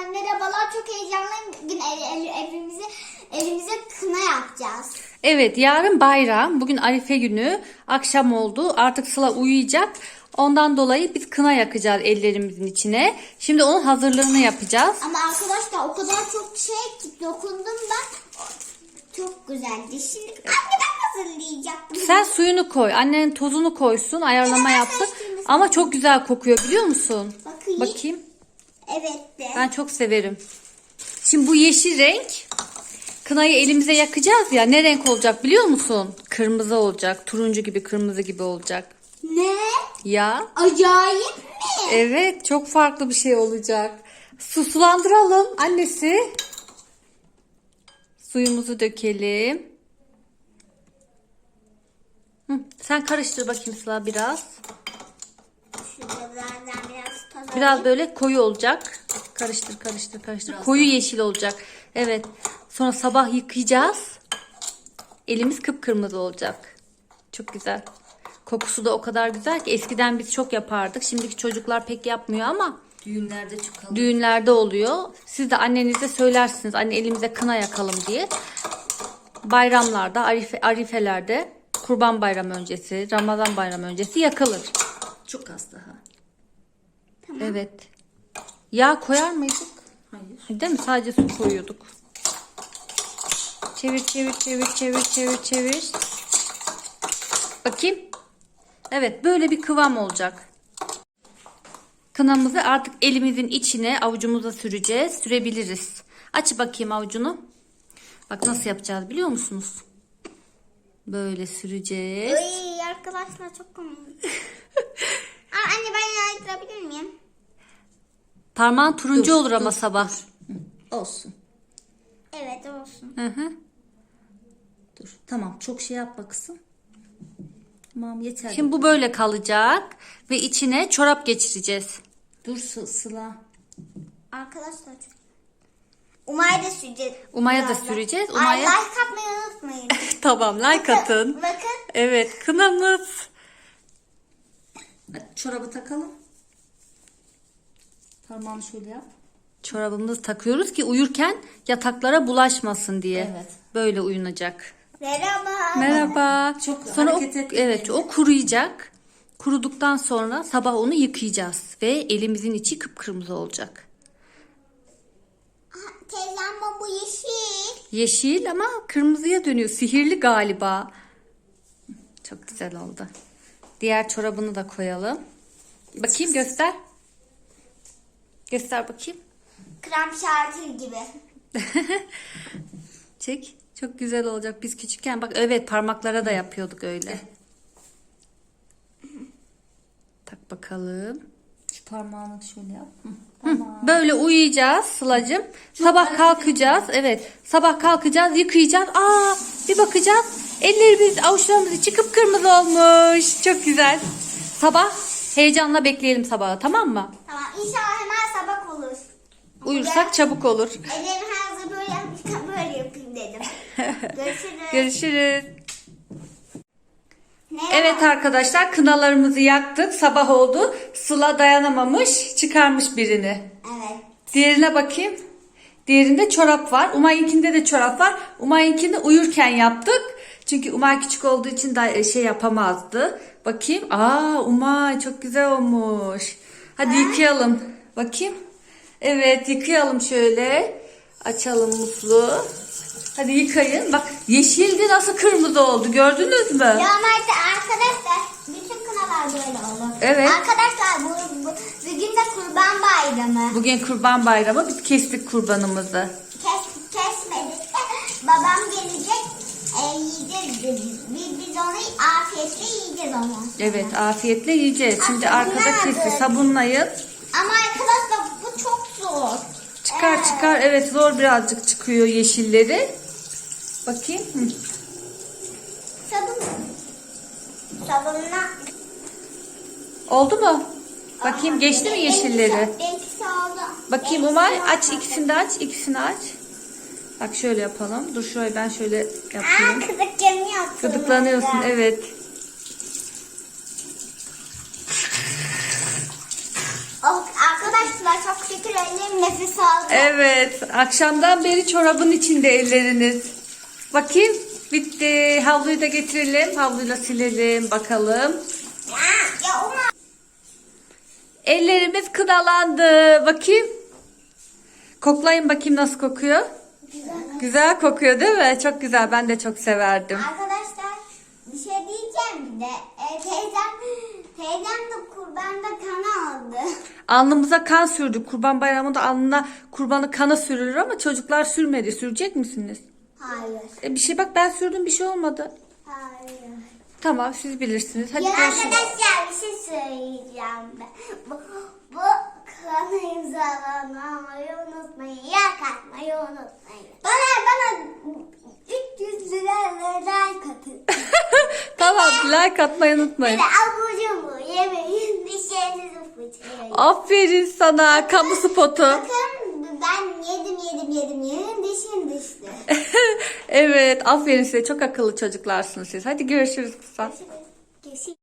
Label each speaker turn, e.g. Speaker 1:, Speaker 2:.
Speaker 1: merhabalar. Çok heyecanlıyım. Bugün evimize kına yapacağız.
Speaker 2: Evet, yarın bayram. Bugün Arife günü. Akşam oldu. Artık Sıla uyuyacak. Ondan dolayı biz kına yakacağız ellerimizin içine. Şimdi onun hazırlığını yapacağız.
Speaker 1: Ama arkadaşlar o kadar çok şey ki dokundum ben. Çok güzeldi. Şimdi anne ben hazırlayacaktım.
Speaker 2: Sen suyunu koy. Annen tozunu koysun. Ayarlama yaptı. Ama çok güzel kokuyor biliyor musun? Bakayım.
Speaker 1: Evet de.
Speaker 2: Ben çok severim. Şimdi bu yeşil renk. Kınayı elimize yakacağız ya. Ne renk olacak biliyor musun? Kırmızı olacak. Turuncu gibi, kırmızı gibi olacak.
Speaker 1: Ne?
Speaker 2: Ya.
Speaker 1: Acayip mi?
Speaker 2: Evet, çok farklı bir şey olacak. Sulandıralım annesi. Suyumuzu dökelim. Sen karıştır bakayım Sıla biraz. Biraz böyle koyu olacak. Karıştır, karıştır, karıştır. Biraz koyu yeşil olacak. Evet. Sonra sabah yıkayacağız. Elimiz kıpkırmızı olacak. Çok güzel. Kokusu da o kadar güzel ki eskiden biz çok yapardık. Şimdiki çocuklar pek yapmıyor ama
Speaker 3: düğünlerde çok alıyor.
Speaker 2: Düğünlerde oluyor. Siz de annenize söylersiniz. Anne elimize kına yakalım diye. Bayramlarda, arifelerde, Kurban Bayramı öncesi, Ramazan Bayramı öncesi yakılır.
Speaker 3: Çok az daha.
Speaker 1: Tamam.
Speaker 2: Evet. Yağ koyar mıydık?
Speaker 3: Hayır.
Speaker 2: Değil mi? Sadece su koyuyorduk. Çevir, çevir, çevir, çevir, çevir, çevir. Bakayım. Evet, böyle bir kıvam olacak. Kınamızı artık elimizin içine avucumuza süreceğiz. Sürebiliriz. Aç bakayım avucunu. Bak nasıl yapacağız biliyor musunuz? Böyle süreceğiz.
Speaker 1: Ay arkadaşlar çok komik. Anne ben yağdırabilir miyim?
Speaker 2: Parmağın turuncu olur ama sabah.
Speaker 3: Olsun.
Speaker 1: Evet olsun.
Speaker 2: Hı hı.
Speaker 3: Dur. Tamam. Çok şey yapma kızım. Tamam yeter.
Speaker 2: Şimdi bu böyle kalacak ve içine çorap geçireceğiz.
Speaker 3: Dur Sıla.
Speaker 1: Arkadaşlar çok. Umay'a da süreceğiz.
Speaker 2: Umaya da
Speaker 1: birazdan.
Speaker 2: süreceğiz.
Speaker 1: Ay,
Speaker 2: Umaya
Speaker 1: like atmayı unutmayın.
Speaker 2: tamam like atın.
Speaker 1: Bakın.
Speaker 2: Evet kınamız.
Speaker 3: Hadi çorabı takalım. Parmağını şöyle yap.
Speaker 2: Çorabımızı takıyoruz ki uyurken yataklara bulaşmasın diye.
Speaker 3: Evet.
Speaker 2: Böyle uyunacak.
Speaker 1: Merhaba.
Speaker 2: Merhaba.
Speaker 3: Çok
Speaker 2: sonra
Speaker 3: hareket etme.
Speaker 2: evet o kuruyacak. Kuruduktan sonra sabah onu yıkayacağız ve elimizin içi kıpkırmızı olacak.
Speaker 1: Teyzem bu yeşil.
Speaker 2: Yeşil ama kırmızıya dönüyor. Sihirli galiba. Çok güzel oldu. Diğer çorabını da koyalım. Bakayım göster. Göster bakayım.
Speaker 1: Krem şanti gibi.
Speaker 2: Çek. Çok güzel olacak. Biz küçükken bak evet parmaklara da yapıyorduk öyle. Tak bakalım.
Speaker 3: Şu parmağını şöyle yap.
Speaker 2: Böyle uyuyacağız Sıla'cığım. Sabah kalkacağız. Evet. Sabah kalkacağız, yıkayacağız. Bir bakacağız. Ellerimiz, avuçlarımız içi kıpkırmızı olmuş. Çok güzel. Sabah heyecanla bekleyelim sabahı, tamam mı?
Speaker 1: Tamam inşallah hemen sabah olur.
Speaker 2: Uyursak çabuk olur.
Speaker 1: Ellerimi her zaman böyle yapayım dedim. Görüşürüz.
Speaker 2: Görüşürüz.
Speaker 1: Ne
Speaker 2: Evet arkadaşlar kınalarımızı yaktık. Sabah oldu. Sıla dayanamamış, çıkarmış birini.
Speaker 1: Evet.
Speaker 2: Diğerine bakayım. Diğerinde çorap var. Umay'ınkinde de çorap var. Umay'ınkini uyurken yaptık. Çünkü Umay küçük olduğu için da şey yapamazdı. Bakayım. Umay çok güzel olmuş. Hadi yıkayalım. Bakayım. Evet yıkayalım şöyle. Açalım musluğu. Hadi yıkayın. Bak yeşildi nasıl kırmızı oldu gördünüz mü?
Speaker 1: Normalde arkadaşlar bütün kınalar böyle olur.
Speaker 2: Evet.
Speaker 1: Arkadaşlar bugün de Kurban Bayramı.
Speaker 2: Bugün Kurban Bayramı. Biz kestik kurbanımızı.
Speaker 1: Kesmedik de babam gelecek yiyeceğiz. Biz onu afiyetle yiyeceğiz onu.
Speaker 2: Evet afiyetle yiyeceğiz. Şimdi arkada kesti. Sabunlayın.
Speaker 1: Ama arkadaşlar bu çok zor.
Speaker 2: Çıkar. Evet zor birazcık çıkıyor yeşilleri. Bakayım.
Speaker 1: Sabunla.
Speaker 2: Oldu mu? Bakayım geçti mi yeşilleri?
Speaker 1: Benimkisi oldu.
Speaker 2: Bakayım Umay aç ikisini de aç. İkisini aç. Bak şöyle yapalım. Dur şöyle ben şöyle yapayım.
Speaker 1: Kızıklanıyorsun.
Speaker 2: Gıdıklanıyorsun evet.
Speaker 1: Arkadaşlar çok şükür Ellerim nefes aldı.
Speaker 2: Evet, akşamdan beri çorabın içinde elleriniz. Bakayım, bitti. Havluyu da getirelim. Havluyla silelim bakalım.
Speaker 1: Ya Uma.
Speaker 2: Ellerimiz kınalandı. Bakayım. Koklayın bakayım nasıl kokuyor. Güzel kokuyor değil mi? Çok güzel. Ben de çok severdim.
Speaker 1: Arkadaşlar bir şey diyeceğim bir de. Teyzem de kurbanda kan aldı.
Speaker 2: Alnımıza kan sürdük. Kurban Bayramı'nda alnına kurbanı kanı sürülür ama çocuklar sürmedi. Sürecek misiniz?
Speaker 1: Hayır.
Speaker 2: Bir şey bak ben sürdüm bir şey olmadı.
Speaker 1: Hayır.
Speaker 2: Tamam siz bilirsiniz. Hadi
Speaker 1: Ya
Speaker 2: görüşürüz.
Speaker 1: arkadaşlar bir şey söyleyeceğim ben. Bu kanı imzalamayı unutmayın. Yak atmayı unutmayın. Bana 300 lira like atın.
Speaker 2: Tamam like atmayı unutmayın.
Speaker 1: Bir de abur cubur yemeyin. Dişlerinizi fırçalayın.
Speaker 2: Aferin sana kamu spotu.
Speaker 1: Bakın ben yedim dişim düştü.
Speaker 2: Evet aferin size çok akıllı çocuklarsınız siz. Hadi görüşürüz kısa.
Speaker 1: Görüşürüz.